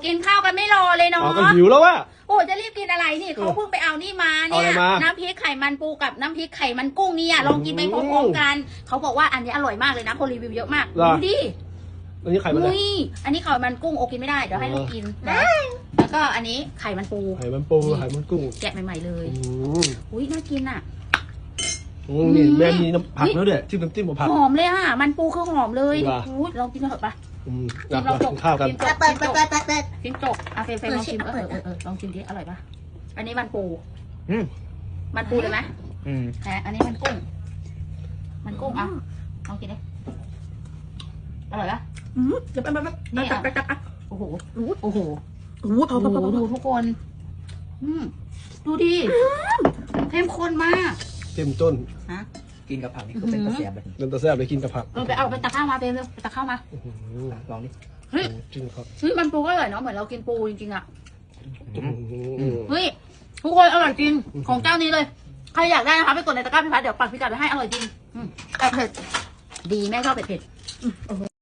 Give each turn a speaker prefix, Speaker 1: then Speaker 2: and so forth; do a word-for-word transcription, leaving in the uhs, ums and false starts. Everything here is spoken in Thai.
Speaker 1: กินข้าวกันไม่รอเลยเนาะ
Speaker 2: อ๋อก็หิวแล้วว่ะ
Speaker 1: โอ้จะรีบกินอะไรนี่เขาเพิ่งไปเอานี่มาเนี่ย
Speaker 2: เอาอะไรมา
Speaker 1: น้ำพริกไข่มันปูกับน้ำพริกไข่มันกุ้งเนี่ยลองกินไปพร้อมๆกันเขาบอกว่าอันนี้อร่อยมากเลยนะคนรีวิวเยอะมาก
Speaker 2: เหรอ
Speaker 1: ดูดิ
Speaker 2: อันนี้ไข่มันอะไร
Speaker 1: อุ้ยอันนี้ไข่มันกุ้งโอกินไม่ได้เดี๋ยวให้ลูกกินนะแล้วก็อันนี้ไข่มันปู
Speaker 2: ไข่มันปูไข่มันกุ้ง
Speaker 1: แกะใหม่ๆเลย
Speaker 2: อืม
Speaker 1: อุ้ยน่ากินอ่ะ
Speaker 2: อืมนี่แม่มีน้ำผักแล้วเนี่ยจิ้มน้ำจิ้มกับผัก
Speaker 1: หอมเลยอ่ะมันปูคือหอมเลย
Speaker 2: ว่ะ
Speaker 1: อุ้ยลองกินเถอะปะ
Speaker 2: อืม
Speaker 1: กิ
Speaker 2: นะ
Speaker 1: นลองจ
Speaker 2: กิ
Speaker 1: ก
Speaker 2: นข้าวกัน
Speaker 1: กินจก
Speaker 3: เปิดเปิดเปิดเปิดเปิด
Speaker 1: กินจกอ่ะเฟรมเฟรมลองชิมเออเออเออลองชิมดิอร่อยปะอันนี้มันปู
Speaker 4: อืม
Speaker 1: มันปูเลยไหม
Speaker 4: อืม
Speaker 1: แต่อันนี้มันกุ้ง มันกุ้งอ่ะลองกินดิอร่อยปะ
Speaker 3: อืมเดี๋ยวไปไปไป
Speaker 1: นี่
Speaker 3: ไป
Speaker 1: อ่ะ
Speaker 3: ไปไปไป
Speaker 1: โอ้โห โอ้โห
Speaker 3: โอ้โหพอ
Speaker 1: โอ้
Speaker 3: พอ
Speaker 1: โห
Speaker 3: พอพอ
Speaker 1: ดูทุกคน อืมดูดิเข้มข้นมาก
Speaker 2: เต็มต้น
Speaker 1: ฮะ
Speaker 4: กินกับผักนี่ก็เป็นตะเสียบแบบ
Speaker 2: เดินตะแซ่บเลยกินกับผัก
Speaker 1: เออไปเอาไปตักข้าวมาเปรมเร็วไปตักข้าวมา
Speaker 2: อื้อหือ
Speaker 4: ลองดิ
Speaker 1: เฮ้ย
Speaker 2: จริงครับ
Speaker 1: เฮ้ยมันปูก็อร่อยเนาะเหมือนเรากินปูจริงๆอ่ะ
Speaker 2: อื้อหือ
Speaker 1: เฮ้ยทุกคนอร่อยจริงของเจ้านี้เลย ใครอยากได้นะคะไปกดในตะกร้าพี่พัดเดี๋ยวปักพิกัดไปให้อร่อยจริงอืมแต่เผ็ดดีแม่ชอบเผ็ดเผ็ด